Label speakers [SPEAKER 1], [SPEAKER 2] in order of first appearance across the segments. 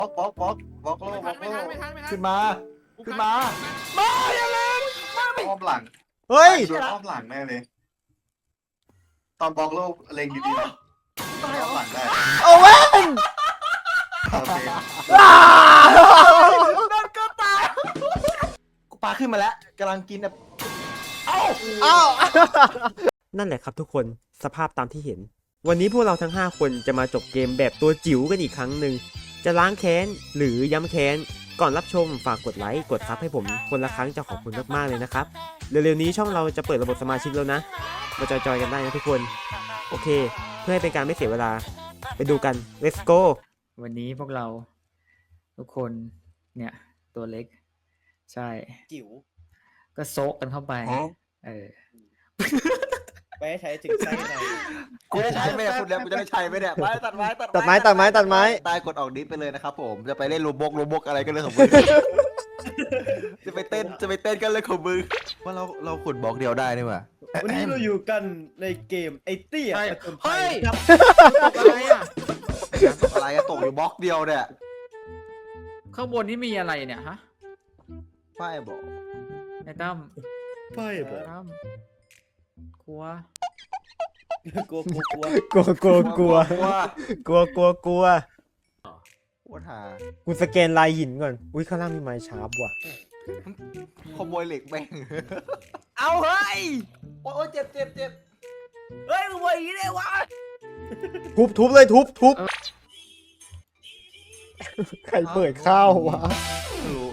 [SPEAKER 1] บล็อกโล
[SPEAKER 2] ไม่ทันไม่ทัน
[SPEAKER 3] ขึ้นมาขึ้นมามาอย่าเล่นมาไม่
[SPEAKER 1] อ้อมหลัง
[SPEAKER 4] เฮ้ย
[SPEAKER 1] โดนอ้อมหลังแน่เลย ตอนบล็อกโลเล็งดีๆนะอ้อมหลังได้
[SPEAKER 4] โอเว่น
[SPEAKER 1] โอเค
[SPEAKER 3] โดนก็ตายกูปาขึ้นมาแล้วกำลังกินแบบเอ้า
[SPEAKER 4] อ้าวนั่นแหละครับทุกคนสภาพตามที่เห็น วันนี้พวกเราทั้ง 5 คนจะมาจบเกมแบบตัวจิ๋วกันอีกครั้งหนึ่งจะล้างแค้นหรือย้ำแค้นก่อนรับชมฝากกดไลค์กดซับให้ผมคนละครั้งจะขอบคุณมากๆเลยนะครับเร็วๆนี้ช่องเราจะเปิดระบบสมาชิกแล้วนะมาจอยๆกันได้นะทุกคนโอเค เพื่อให้เป็นการไม่เสียเวลาไปดูกัน let's go
[SPEAKER 5] วันนี้พวกเราทุกคนเนี่ยตัวเล็ก ใช่
[SPEAKER 6] จิ๋ว
[SPEAKER 5] ก็โซะกันเข้าไปเออ
[SPEAKER 6] ไปให้ใช้ถึงไส้ใน
[SPEAKER 3] กูจะใช้ไหมเนี่ยคุณแล้วกูจะได้ใช้ไหมเนี่ยไปตัดไม้
[SPEAKER 4] ตัดไม้ตัดไม้ตัดไม้
[SPEAKER 3] ตายกดออกดิสไปเลยนะครับผมจะไปเล่นโรบกอะไรกันเลยของมึง จะไปเต้นกันเลยของมึงว่าเราขุดบล็อกเดียวได้นี่หว่า
[SPEAKER 6] วันนี้เราอยู่กันในเกมไอ้เตี้ย
[SPEAKER 5] ใช่
[SPEAKER 6] ผจญภั
[SPEAKER 5] เฮ้
[SPEAKER 6] ย
[SPEAKER 5] ย
[SPEAKER 6] ครับ
[SPEAKER 5] อะไรอ่ะ
[SPEAKER 3] อะไรอะตกอยู่บล็อกเดียวเนี่ย
[SPEAKER 5] ข้างบนนี่มีอะไรเนี่ยฮะ
[SPEAKER 3] ป้ายบอก
[SPEAKER 5] ไอ้ตั้ม
[SPEAKER 6] ไฟบอ
[SPEAKER 5] ตั้มกลัว
[SPEAKER 6] กลัว
[SPEAKER 4] กลัวกลัวกลัว
[SPEAKER 3] ว่าก
[SPEAKER 4] ลัวกลัวกลัว
[SPEAKER 3] ว่าหา
[SPEAKER 4] กูสแกนลายหินก่อนอุ้ยข้างล่างมีไม้ชาร์ปว่ะ
[SPEAKER 3] ขโมยเหล็กแม่งเอาเฮ้ยโอ้ยเจ็บ
[SPEAKER 6] เฮ้ยมึงว่าอย่างนี้ได้วะ
[SPEAKER 4] ทุบเลยทุบใครเปิดข้าววะ
[SPEAKER 3] ไม่รู้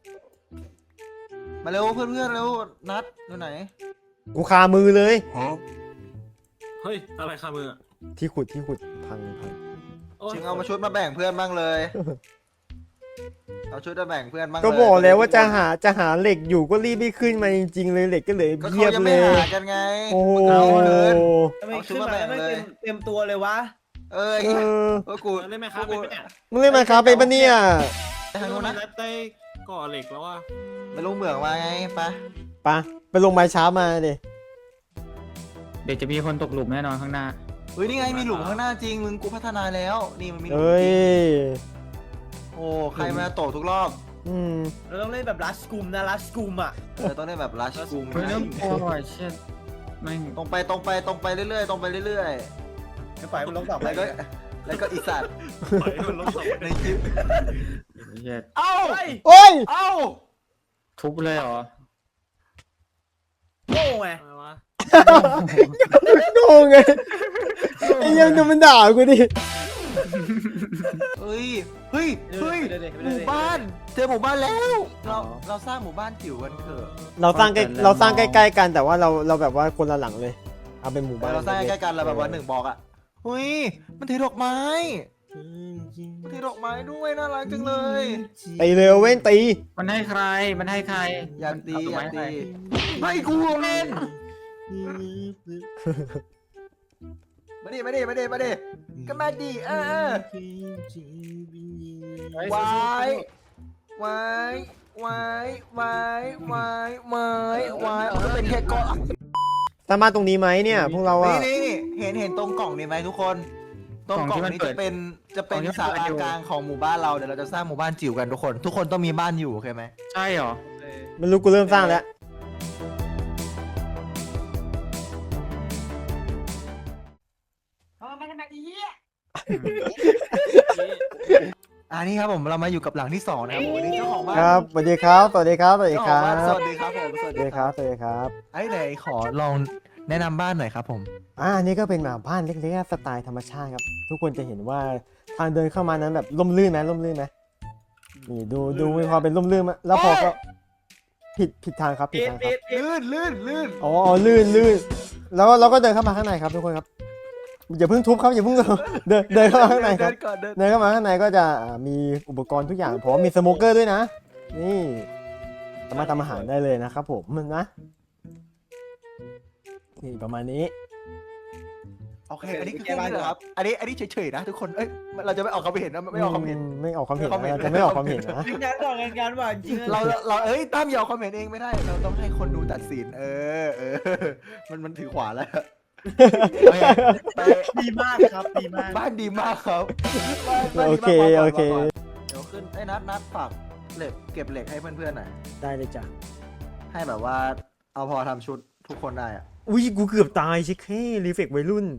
[SPEAKER 3] มาเร็วเพื่อนเร็วนัดอยู่ไหน
[SPEAKER 4] กูคามือเลย
[SPEAKER 2] เฮ้ยอะไรคามือ
[SPEAKER 4] ที่ขุดพัง
[SPEAKER 3] ชิงเอามาชุดมาแบ่งเพื่อนบ้างเลย เอาชุดมาแบ่งเพื่อนบ้างเลย
[SPEAKER 4] ก็บอกแล้วว่าจะหาเหล็กอยู่ก็รีบไม่ขึ้นมาจริงๆเลยเหล็กก็เหลย
[SPEAKER 3] ก็
[SPEAKER 4] เยี
[SPEAKER 3] เขา
[SPEAKER 4] ยบ
[SPEAKER 3] ยัง
[SPEAKER 4] เล
[SPEAKER 3] ไม่
[SPEAKER 4] ย
[SPEAKER 3] หากันไง
[SPEAKER 4] โอ้โห
[SPEAKER 3] เอาเลย
[SPEAKER 6] ทำไมขึ้นมาไม่เต็มตัวเลยวะ
[SPEAKER 3] เอ้ย
[SPEAKER 4] เออ
[SPEAKER 3] ก็กู
[SPEAKER 2] เล่นไหมครับเป็นไหมเนี่ย
[SPEAKER 4] มึงเล่นมาครับเป็นปะเนี่ย
[SPEAKER 3] ทางนู้นนะ
[SPEAKER 2] ได้ก่อเหล็กแล้วว่า
[SPEAKER 3] ไปลงเหมืองมาไงไป
[SPEAKER 4] ไปลงไม้ช้ามาดิ
[SPEAKER 5] เดี๋ยวจะมีคนตกหลุมแน่นอนข้างหน้า
[SPEAKER 3] เฮ้ยนี่ไงมีหลุมข้างหน้าจริงมึงกูพัฒนาแล้วนี่มันมีหลุม
[SPEAKER 4] เอ้ย
[SPEAKER 3] โอ้ใครมาโตทุกรอบ
[SPEAKER 4] อืม
[SPEAKER 6] เราต้องเล่นแบบลัสกุมนะลัสกุมอ่ะ
[SPEAKER 3] ต้องได้แบบรัชกุม
[SPEAKER 5] เฮ้ยน้ำกลัวว่ะเช่นแม่ง
[SPEAKER 3] ตรงไปเรื่อยๆตรงไปเรื่อย
[SPEAKER 6] จะปล่อยมันลงต่อ
[SPEAKER 3] ๆ
[SPEAKER 6] ไป
[SPEAKER 3] แล้วก็อีสัตว์
[SPEAKER 2] ปล่อยให้มันลงต่อไป
[SPEAKER 3] ในคลิป
[SPEAKER 5] เหี้ย
[SPEAKER 3] เอ้า
[SPEAKER 6] เฮ้ย
[SPEAKER 4] โอ้ย
[SPEAKER 3] เอ้า
[SPEAKER 5] ทุบเลยเหรอ
[SPEAKER 6] โง่ไง
[SPEAKER 2] อะไรวะ
[SPEAKER 4] โง่ไงไอ้ยังดูมันด่ากูดิ
[SPEAKER 3] เฮ้ยหมู่บ้านเจอหมู่บ้านแล้ว เราสร้างหมู่บ้านจิ๋วกันเถอะ
[SPEAKER 4] เราสร้างใกล้ๆกันแต่ว่าเราแบบว่าคนละหลังเลย เอาเป็นหมู่บ้าน
[SPEAKER 3] เราสร้างใกล้ๆกันเราแบบว่า1บล็อกอ่ะเฮ้ยมันถือดอกไม้มันถือดอกไม้ด้วยน่ารักจังเลย
[SPEAKER 4] ตีเร็วเว้นตี
[SPEAKER 5] มันให้ใคร
[SPEAKER 3] อยากตี
[SPEAKER 5] เอ
[SPEAKER 3] อยาก
[SPEAKER 5] ใคร
[SPEAKER 3] ตีไม่กูเล่นมาดิก็มาดิวายวายมันก็เป็นแค่ก้อน
[SPEAKER 4] สามารถตรงนี้ไหมเนี่ยพวกเราอะ
[SPEAKER 3] นี่เห็นตรงกล่องนี้ไหมทุกคนตรงกล่องนี้จะเป็นศาลากลางของหมู่บ้านเราเดี๋ยวเราจะสร้างหมู่บ้านจิ๋วกันทุกคนต้องมีบ้านอยู่โอเคไหม
[SPEAKER 5] ใช่เหรอ
[SPEAKER 4] ไม่รู้กูเริ่มสร้างแล้ว
[SPEAKER 3] นี่ครับผมเรามาอยู่กับหลังที่2นะครับวันนี้เจ้าของบ้าน
[SPEAKER 4] ครับสวัสดีครับสวัสดีครับสวัสดีครับ
[SPEAKER 3] สวัสดีครับผม
[SPEAKER 4] สวัสดีครับสวัสดีครับ
[SPEAKER 3] ไอ้ไหนขอลองแนะนำบ้านหน่อยครับผม
[SPEAKER 4] อันนี้ก็เป็นแบบบ้านเล็กๆสไตล์ธรรมชาติครับ ทุกคนจะเห็นว่าทางเดินเข้ามานั้นแบบร่มรื่นไหมนี่ดูมีความเป็นร่มรื่นมั้ยแล้วพอก็ผิดทางครับผิดทางครับ
[SPEAKER 3] ลื่น
[SPEAKER 4] อ๋อลื่นแล้วเราก็เดินเข้ามาข้างในครับทุกคนครับอย่าเพิ่งทุบครับอย่าเพิ่งเดินเข้ามาข้างในครับ เดินเข้ามาข้างในก็จะมีอุปกรณ์ทุกอย่างผมมีสโมเกอร์ด้วยนะนี่สามารถทำอาหารได้เลยนะครับผมนะนี่ประมาณนี้
[SPEAKER 3] โอเคอันนี้คือแค่นี้เหรอครับอันนี้เฉยๆนะทุกคนเราจะไม่ออกความเห็นนะไม่ออกความเห็น
[SPEAKER 4] ไม่ออกความเห็นนะเราจะไม่ออกความเห็นนะ
[SPEAKER 6] งานต่องานว่าจริง
[SPEAKER 3] เราตั้มอย่าออกความเห็นเองไม่ได้เราต้องให้คนดูตัดสินมันถือขวาแล้ว
[SPEAKER 6] ดีมากครับดีมาก
[SPEAKER 3] บ้านดีมากครับ
[SPEAKER 4] โอเค
[SPEAKER 3] โอเคไอ้นัดฝากเหล็กเก็บเหล็กให้เพื่อนๆหน่อย
[SPEAKER 4] ได้เลยจ้ะ
[SPEAKER 3] ให้แบบว่าเอาพอทำชุดทุกคนได้อะ
[SPEAKER 4] อุ้ยกูเกือบตายชิคแค่รีเฟกวัยรุ่น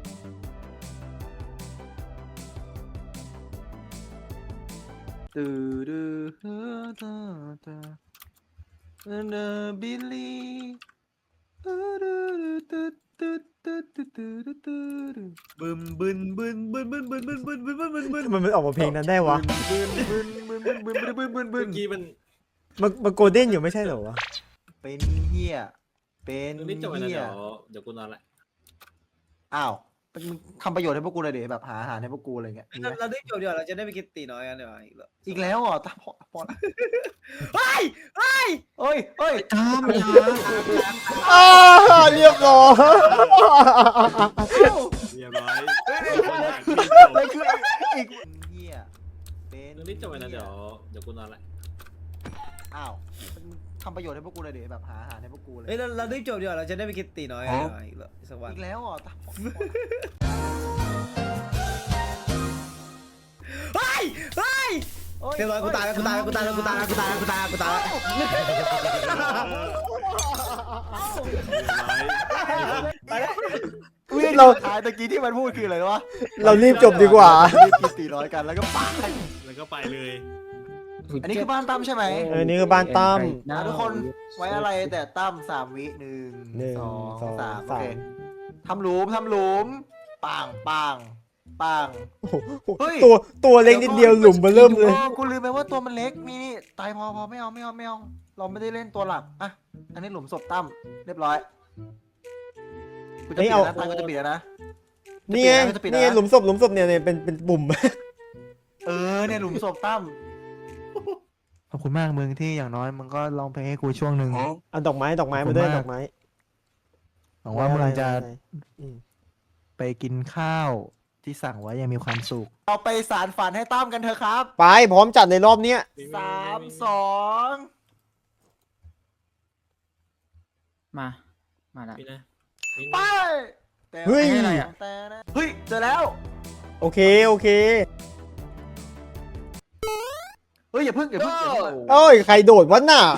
[SPEAKER 3] ตื้อดื้อเฮ้อตาตาเนอบิลลี่ตื้อดื้อตื้อตื้อตื้อตื้อตื้อตื้อตื้อ
[SPEAKER 6] บึมบึนบึนบึนบึนบึนบึนบึนบึนบึนบึนบึน
[SPEAKER 4] ทำไมมันออกมาเพลงนั้นได้วะ
[SPEAKER 3] บึนบึนบึนบึนบึนบึนบึนบึ
[SPEAKER 2] เมื่
[SPEAKER 3] น
[SPEAKER 2] อกี้มัน
[SPEAKER 4] มันโกลเด้นอยู่ไม่ใช่เหรอวะ
[SPEAKER 3] เป็นเฮียเป็น
[SPEAKER 2] ตรงนี้จบไปแล้ว
[SPEAKER 3] เฮีย
[SPEAKER 2] เดี๋ยวกูนอนละ
[SPEAKER 3] อ้าวมึงทำประโยชน์ให้พวกกูเลยดิแบบหาอาหารให้พวกกูอะไรเงี้ยมีไหม
[SPEAKER 6] เราได้จบเดี๋ยวเราจะได้ไปกินตีน้อยกันเดี๋ยวอีกแล้ว
[SPEAKER 3] อีกแล้วเหรอตาพอละ
[SPEAKER 6] เฮ้ยเฮ้ย
[SPEAKER 3] เอ้ยเอ้ย
[SPEAKER 5] ตามอย่า
[SPEAKER 4] อ้าเรียบร้อย
[SPEAKER 2] เรียบร้อย
[SPEAKER 3] อะไรคืออีกเฮียเป็น
[SPEAKER 2] ตรงนี้จบไปแล้วเดี๋ยวกูนอนละ
[SPEAKER 3] อ้าวมึงทำประโยชน์ให้พวกกูเลยดิแบบหาอาหารให้พวกกูเลย
[SPEAKER 6] เฮ้ยเราได้จบเดี๋ยวเราจะได้ไปกินตีน้อยกันอีกแล้วสักวัน
[SPEAKER 3] อีกแล้วเหรอตาพอละ
[SPEAKER 6] เฮ้ยเฮ้ยเรียบร้อยกูตายแล้วกูตายแล้วกูตายแล้วกูตายแล้วกูตายแล้วกูตายแล้วกูตายแล้ว
[SPEAKER 3] ไปแล้วอุ้ย
[SPEAKER 4] เรา
[SPEAKER 3] ท้ายตะกี้ที่มันพูดคืออะไรวะ
[SPEAKER 4] เรารีบจบดีกว่า
[SPEAKER 3] รีบกิน400กันแล้วก็ปา
[SPEAKER 2] แล้วก็ไปเลย
[SPEAKER 3] อันนี้คือบ้านตั้มใช่ไหม
[SPEAKER 4] เออนี่คือบ้านตั้ม
[SPEAKER 3] ทุกคนไว้อะไรแต่ตั้ม3 วิ1
[SPEAKER 4] หนึ่ง
[SPEAKER 3] 2
[SPEAKER 4] สอง
[SPEAKER 3] 3โอ
[SPEAKER 4] สา
[SPEAKER 3] เค
[SPEAKER 4] ม
[SPEAKER 3] ทำหลุมปังปังปัง เฮ้ย
[SPEAKER 4] ตัวเล็กนิดเดียวหลุมมาเริ่มเลย
[SPEAKER 3] กูลืมไปว่าตัวมันเล็กนี่ตายพอไม่เอาเราไม่ได้เล่นตัวหลักอ่ะอันนี้หลุมศพตั้มเรียบร้อยกูจะปิดแล้วนะตั้มกูจะปิดแล้วนะ
[SPEAKER 4] นี่ไง
[SPEAKER 3] จะปิดแล้ว
[SPEAKER 4] นี่ไงหลุมศพเนี่ยเป็นปุ่ม
[SPEAKER 3] เนี่ยหลุมศพตั้มขอบคุณมากมึงที่อย่างน้อยมึงก็ร้องเพลงให้กูช่วงหนึ่ง
[SPEAKER 4] เอาดอกไม้มาด้วยดอกไม้
[SPEAKER 3] หวังว่ามึงจะ
[SPEAKER 4] อืม
[SPEAKER 3] ไปกินข้าวที่สั่งไว้ยังมีความสุขเราไปสารฝันให้ตั้มกันเถอะครับ
[SPEAKER 4] ไปพร้อมจัดในรอบเนี้ย
[SPEAKER 3] 3 2
[SPEAKER 5] มาละ
[SPEAKER 2] นี่นะ
[SPEAKER 3] ไป
[SPEAKER 4] เฮ้ย
[SPEAKER 5] อะไรอะ
[SPEAKER 3] เฮ้ยเจอแล้ว
[SPEAKER 4] โอเค
[SPEAKER 3] เฮ้ยอย่าเพิ่ง
[SPEAKER 4] โอ้ยใครโดดวะน่ะ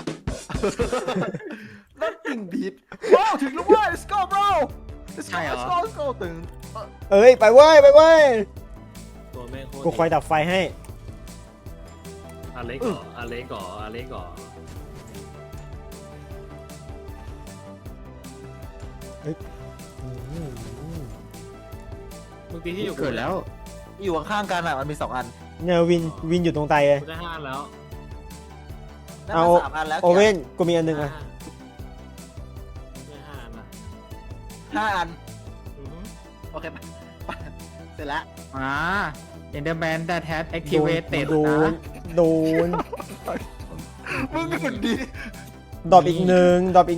[SPEAKER 3] นั่นติ่งผิดว้าวถึงแล้วเว้ย let's go bro let's
[SPEAKER 5] ใช่
[SPEAKER 3] go
[SPEAKER 5] เหรอ
[SPEAKER 3] let's go ตึง
[SPEAKER 4] เอ้ยไปเว้ย
[SPEAKER 2] ตัวแม่งโคตร
[SPEAKER 4] กูคอยดับไฟให้
[SPEAKER 2] อเล็กก่ออเล็กก่อเมื่อกี้ที่อยู่
[SPEAKER 5] เกิดแล้ว
[SPEAKER 3] อยู่ข้างๆกันอ่ะมันมี2 อัน
[SPEAKER 4] เนี่ยวินอยู่ตรงไตเลย
[SPEAKER 2] กูได้5แล้ว
[SPEAKER 3] นั่น
[SPEAKER 4] เอา
[SPEAKER 3] มัน3 อันแล้ว
[SPEAKER 4] โอเว่นกูมีอันหนึง
[SPEAKER 2] ได้
[SPEAKER 4] อ่ะ
[SPEAKER 2] 5นะ
[SPEAKER 3] 5 อัน
[SPEAKER 2] อือฮึ
[SPEAKER 3] โอเคไปเสร็จแล้ว
[SPEAKER 5] เอนเดอร์แมนแต่แท็บแอคทีเวตเต็ด
[SPEAKER 4] โดน
[SPEAKER 5] นะ
[SPEAKER 4] โดน
[SPEAKER 3] มึงหยุดดิ
[SPEAKER 4] ดรอปอีกหนึ่ง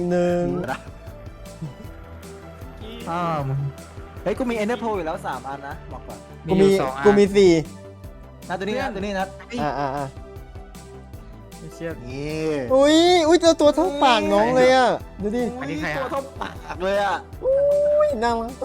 [SPEAKER 3] มึงเฮ้ยกูมี Ender Pearl อยู่แล้ว3 อันนะบอกก่อน
[SPEAKER 4] กูมี
[SPEAKER 5] อยู่2 อัน
[SPEAKER 4] กูมี4
[SPEAKER 3] นัดตัวนี้นัด
[SPEAKER 4] อ่า
[SPEAKER 5] ไม่เชื่อ
[SPEAKER 3] นี่
[SPEAKER 4] อุ้ยเจอตัวเท่าปากน้องเลยอ่ะ ดูดิ
[SPEAKER 5] อันนี้ใครอะ
[SPEAKER 3] ตัวเท่าปากเลยอ่ะ
[SPEAKER 4] อุ้ยน่ารักตัว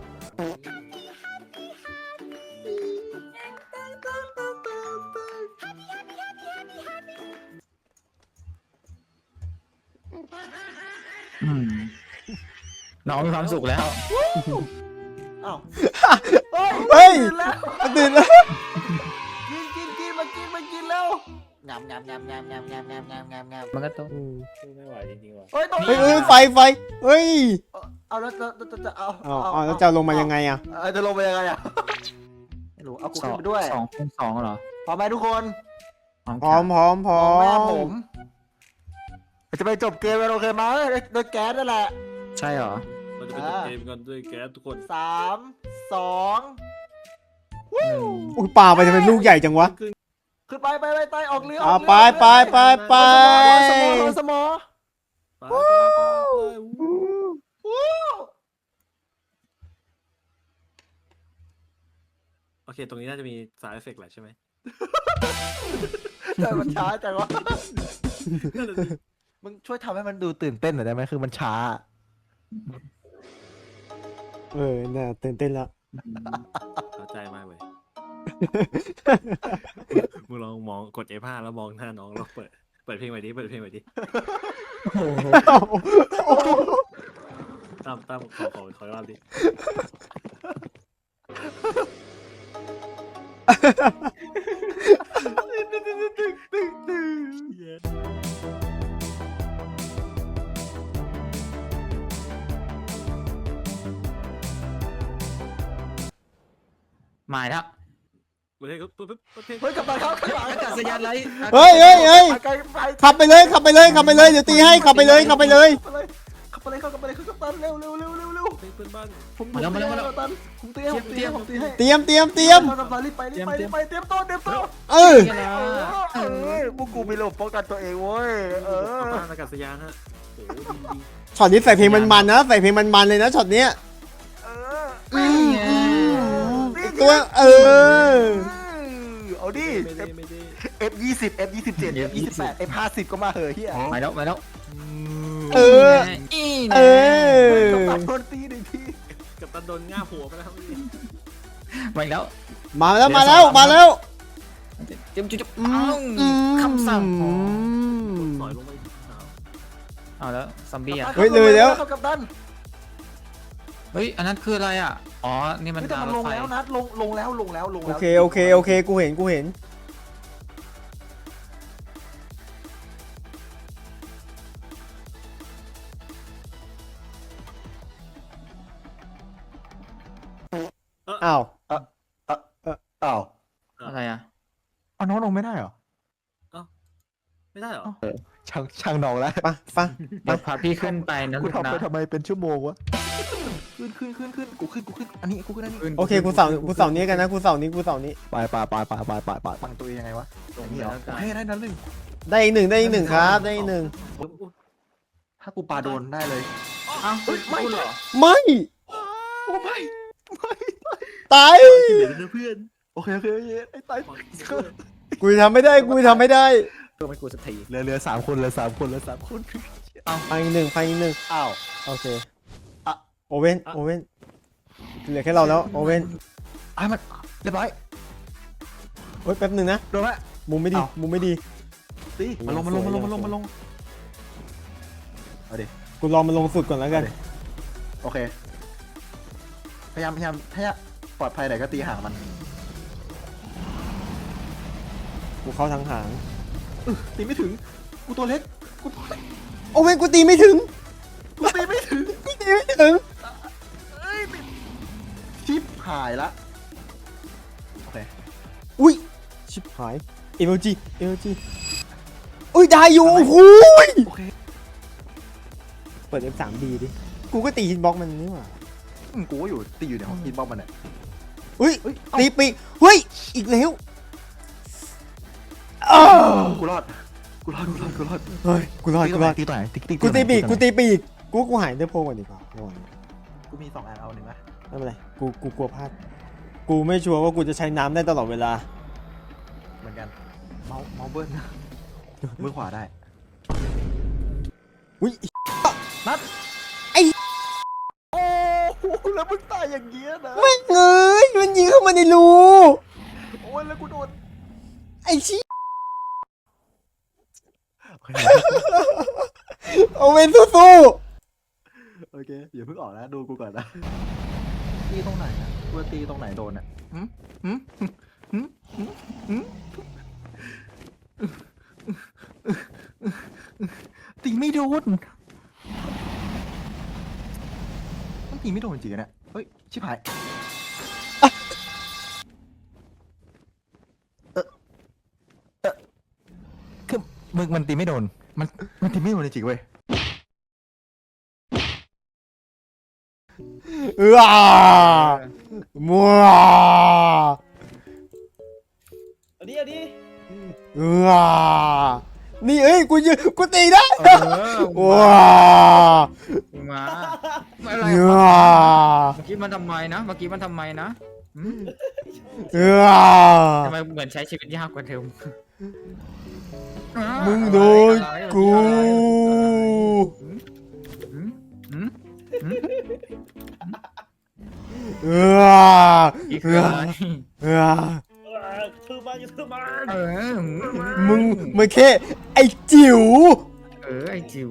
[SPEAKER 5] อืมน้องมีความสุขแล้ว
[SPEAKER 3] อ้าว
[SPEAKER 4] เฮ้ย
[SPEAKER 3] ตื่นแล้ว
[SPEAKER 4] ตื่นแล้ว
[SPEAKER 3] กินมากินแล้วงาม
[SPEAKER 5] มันก็โต
[SPEAKER 2] สู้ไม่ไหวจริงๆว่ะ
[SPEAKER 3] เฮ้ยตัว
[SPEAKER 4] เฮ้ยไฟเฮ้ย
[SPEAKER 3] เอาแล้วจะเอา
[SPEAKER 4] อ๋อแล้วจะลงมายังไงอ่ะ
[SPEAKER 3] จะลงไปยังไงอ่ะไม่รู้เอากูขึ้นไปด้วย
[SPEAKER 5] 2 เหรอ
[SPEAKER 3] พร้อมไหมทุกคน
[SPEAKER 4] พร้อม
[SPEAKER 3] แม่ผมจะไปจบเกมกันโอเคไหมโดยแก๊สนั่นแหละ
[SPEAKER 5] ใช่เหรอ
[SPEAKER 2] เราจะไปจบเกมกันด้วยแก๊สทุกคน
[SPEAKER 3] 3 2
[SPEAKER 4] อุ้ยปลาไปทำไมลูกใหญ่จังวะ
[SPEAKER 3] ขึ้นไปออกเรือ
[SPEAKER 4] ไป
[SPEAKER 3] สมอ
[SPEAKER 2] ไปโอเค ตรงนี้น่าจะมีสายเอฟเฟกต์แหละใช่ไหม
[SPEAKER 3] แต่มันช้าจังวะมึงช่วยทำให้มันดูตื่นเต้นหน่อยได้ไหมคือมันช้า
[SPEAKER 4] น่าตื่นเต้นแล้ว
[SPEAKER 2] เข้าใจมากเลยมึงลองมองกด F5 แล้วมองหน้าน้องแล้วเปิดเพลงไปดิเปิดเพลงไปดิตั้มขอรอบดิ
[SPEAKER 5] มาแล้ว
[SPEAKER 2] เปิดเพลงเปิดเพลง
[SPEAKER 1] เฮ้ยกลับมาครับข้างหลัง
[SPEAKER 5] อากาศยานไร
[SPEAKER 4] เฮ้ย
[SPEAKER 1] ไกลไป
[SPEAKER 4] ขับไปเลยขับไปเลยขับไปเลยเดี๋ยวตีให้ขับไปเลยขับไปเลย
[SPEAKER 1] ขับไปเลยขับไปเลยขับตันเร็ว
[SPEAKER 2] เพลงเพื่อนบ้าน
[SPEAKER 1] ผมตันผมตีให้ผมตีให้ผมตีให้
[SPEAKER 4] เตรียม
[SPEAKER 1] กัปตันรีบไปเตรียมตัว
[SPEAKER 4] เออ
[SPEAKER 1] พวกกูมีระบบป้องกันตัวเองเว้ย
[SPEAKER 2] บ้านอากาศยานฮะโอ้โหดี
[SPEAKER 4] ช็อตนี้ใส่เพลงมันๆนะใส่เพลงมันๆเลยนะช็อตเนี้ยตัว
[SPEAKER 1] เอาดิ
[SPEAKER 2] ไม่ได้
[SPEAKER 1] F20 F27 F28 F50 ก็มาเหอะเฮีย
[SPEAKER 5] มาแล้วมาแล้ว
[SPEAKER 4] เออ เออ
[SPEAKER 1] กัปตันโดนตีหนึ่งที
[SPEAKER 2] กับตันโดนง่าหัวไปแล้ว
[SPEAKER 5] มาแล้ว
[SPEAKER 4] มาแล้ว
[SPEAKER 5] เตรียมจุ๊บคำสั่ง
[SPEAKER 2] สอยลงไป
[SPEAKER 5] เอาแล้วซอมบี้อ่ะ
[SPEAKER 4] เฮ้ยเลยแล้ว
[SPEAKER 1] กัปตัน
[SPEAKER 5] เฮ้ยอันนั้นคืออะไรอ่ะอ๋อนี่มัน
[SPEAKER 1] แต่มันลงแล้วนะลงแล้ว
[SPEAKER 4] โอเคกูเห็นอ้าว
[SPEAKER 1] อ้าว
[SPEAKER 5] อะไรอ่ะ
[SPEAKER 1] เอาน้องลงไม่ได้เหรอ
[SPEAKER 2] ไม่ได้เหรอ
[SPEAKER 1] ช่างน้องแล้ว
[SPEAKER 4] ฟัง
[SPEAKER 5] เดี๋ยวพาพี่ขึ้นไปนะ
[SPEAKER 1] กู
[SPEAKER 5] ลูก
[SPEAKER 1] ทำ
[SPEAKER 5] นะ
[SPEAKER 1] ไปทำไมเป็นชั่วโมงวะขึ้นกูขึ้นอันนี้กูขึ้นอันนี้
[SPEAKER 4] โอเคกูเสานี้กันนะกูเสานี้
[SPEAKER 1] ไปฟังตัวเองยังไงวะ
[SPEAKER 5] ลง
[SPEAKER 1] นี่
[SPEAKER 5] ไป
[SPEAKER 1] เหรอ
[SPEAKER 5] แล้วกัน
[SPEAKER 1] ให้ได้นั้นหนึ่ง
[SPEAKER 4] ได้อีกหนึ่งครับได้อีกหนึ่ง
[SPEAKER 1] ถ้ากูปาโดนได้เลย
[SPEAKER 5] อ้าวไม่เหรอ
[SPEAKER 4] ไม่
[SPEAKER 1] โอ้ไม่
[SPEAKER 4] ตาย
[SPEAKER 2] เหลือเพื่อน
[SPEAKER 1] โอเคไอ้ตาย
[SPEAKER 4] กูทำไม่ได้
[SPEAKER 5] เพื่อไม่กูสักที
[SPEAKER 1] เหลือ3 คน
[SPEAKER 4] ไปอีกหนึ่ง
[SPEAKER 1] อ้าว
[SPEAKER 4] โอเคโอเว่นเหลือแค่เราแล้วโอเว่น
[SPEAKER 1] มันเรียบร้อย
[SPEAKER 4] เฮ้ยแป๊บหนึ่งนะ
[SPEAKER 1] โดนไหม
[SPEAKER 4] มุมไม่ดี
[SPEAKER 1] ตีมาลงเอาดิ
[SPEAKER 4] กูรอมันลงสุดก่อนแล้วกัน
[SPEAKER 1] โอเคพยายามถ้าปลอดภัยไหนก็ตีหางมัน
[SPEAKER 4] กูเข้าทางหาง
[SPEAKER 1] ตีไม่ถึงกูตัวเล็ก
[SPEAKER 4] โอเว่นกูตีไม่ถึง
[SPEAKER 1] ตีไม่ถึง ชิปหายละโอเค
[SPEAKER 4] อุ้ยชิบหายเอเมจีอุ้ยได้อยู่โอ้โห
[SPEAKER 1] โอเค
[SPEAKER 4] เปิด F3D ดิกูก็ตีฮิตบ็อกมันนี่หว่า
[SPEAKER 1] กูก็อยู่ตีอยู่ในห้องกินบอมมันเนี่ย
[SPEAKER 4] อุ้ย
[SPEAKER 1] เฮ้ย
[SPEAKER 4] ตีปีกเฮ้ยอีกแล้ว
[SPEAKER 1] กูรอด
[SPEAKER 4] เฮ้ยกูรอด
[SPEAKER 1] ตีตัวไหนตี
[SPEAKER 4] กูตีปีกกูหายได้โพก่อนดีกว่าระวัง
[SPEAKER 1] กูมี2 อันเอาหนึ่งไหม
[SPEAKER 4] ไม่เป็นไรกูกลัวพลาดกูไม่ชัวร์ว่ากูจะใช้น้ำได้ตลอดเวลา
[SPEAKER 1] เหมือนกันเมาเบิ้ลมือขวาได้
[SPEAKER 4] อุ้ย
[SPEAKER 1] นัด
[SPEAKER 4] ไอ้
[SPEAKER 1] โอ้โหแล้วมึงตายอย่างเงี้ยนะ
[SPEAKER 4] ไม่เงยมันยิงเข้ามาในรู
[SPEAKER 1] โอ้ยแล้วกูโดน
[SPEAKER 4] ไอ้ชี้โอเว่นสู้
[SPEAKER 1] โอเคอย่าเพิ่งออกนะดูกูก่อนนะตีตรงไหนนะกูตีตรงไหนโดนอ่ะตีไม่โดนมันตีไม่โดนจริงๆเนี่ยเฮ้ยชิบหายคือมึงมันตีไม่โดนมันตีไม่โดนจริงๆเว้ย
[SPEAKER 4] มัว
[SPEAKER 5] เอาดิ
[SPEAKER 4] นี่เอ้ยกูตีได้ว้า
[SPEAKER 5] มาอะไร
[SPEAKER 4] เ
[SPEAKER 5] เมื่อกี้มันทำไมนะทำไมเหมือนใช้ชีวิตยากกว่าเดิม
[SPEAKER 4] มึงโดนกู
[SPEAKER 5] อีกคืออะไร
[SPEAKER 4] มึงมันแค่ไอ้จิ๋ว
[SPEAKER 5] ไอ้จิ๋ว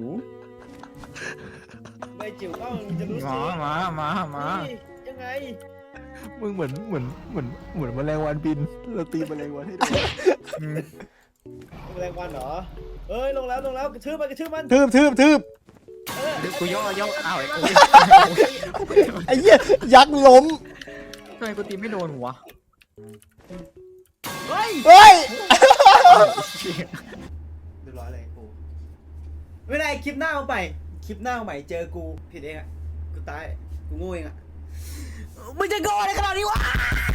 [SPEAKER 6] ไม่จิ๋วก็มึงจะรู้
[SPEAKER 5] มา
[SPEAKER 6] สิ
[SPEAKER 5] มา
[SPEAKER 6] ยังไง
[SPEAKER 3] มึงเหมือนแมลงวันบินเราตีแมลงวันให้ดู
[SPEAKER 6] แรงวันเหรอเอ้ยลงแล้วกระทืบมัน
[SPEAKER 4] ทืบ
[SPEAKER 5] กูย่อ้าวไอ้กู
[SPEAKER 4] ไอ้เหี้ยยักษ์ล้ม
[SPEAKER 5] ทำไมกูตีไม่โดนวะ
[SPEAKER 4] เฮ้ย
[SPEAKER 1] เรียบร้อยเลยกู
[SPEAKER 6] ไม่เป็นไรคลิปหน้าเอาใหม่คลิปหน้าเอาใหม่เจอกูผิดเองอ่ะกูตายกูโง่เองอ่ะมึงจะโง่ในขนาดนี้วะ